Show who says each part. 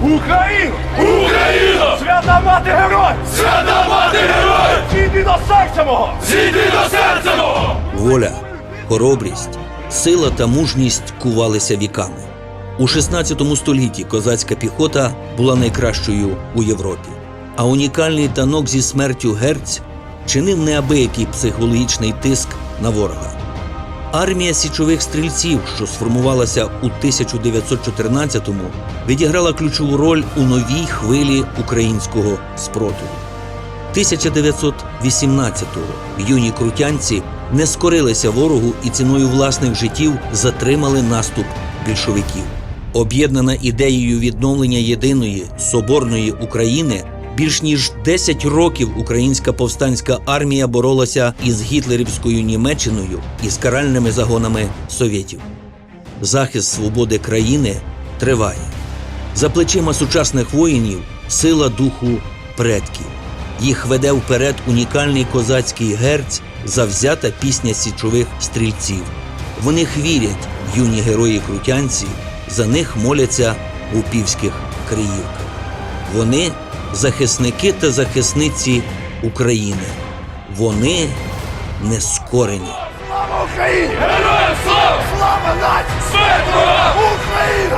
Speaker 1: Україну!
Speaker 2: Україно!
Speaker 1: Свята мати герой!
Speaker 2: Свята мати герой!
Speaker 1: Зійди до серця мого!
Speaker 2: Зійди до серця мого!
Speaker 3: Воля, хоробрість, сила та мужність кувалися віками. У 16 столітті козацька піхота була найкращою у Європі, а унікальний танок зі смертю Герць чинив неабиякий психологічний тиск на ворога. Армія січових стрільців, що сформувалася у 1914-му, відіграла ключову роль у новій хвилі українського спротиву. 1918-го юні крутянці не скорилися ворогу і ціною власних життів затримали наступ більшовиків. Об'єднана ідеєю відновлення єдиної соборної України, більш ніж 10 років українська повстанська армія боролася із гітлерівською Німеччиною і з каральними загонами совєтів. Захист свободи країни триває. За плечима сучасних воїнів сила духу предків. Їх веде вперед унікальний козацький герць, завзята пісня січових стрільців. В них вірять юні герої-крутянці, за них моляться в упівських криївках. Вони – захисники та захисниці України. Вони нескорені.
Speaker 1: Слава Україні!
Speaker 2: Героям слава!
Speaker 1: Слава нації!
Speaker 2: Смерть ворогам!
Speaker 1: Україна!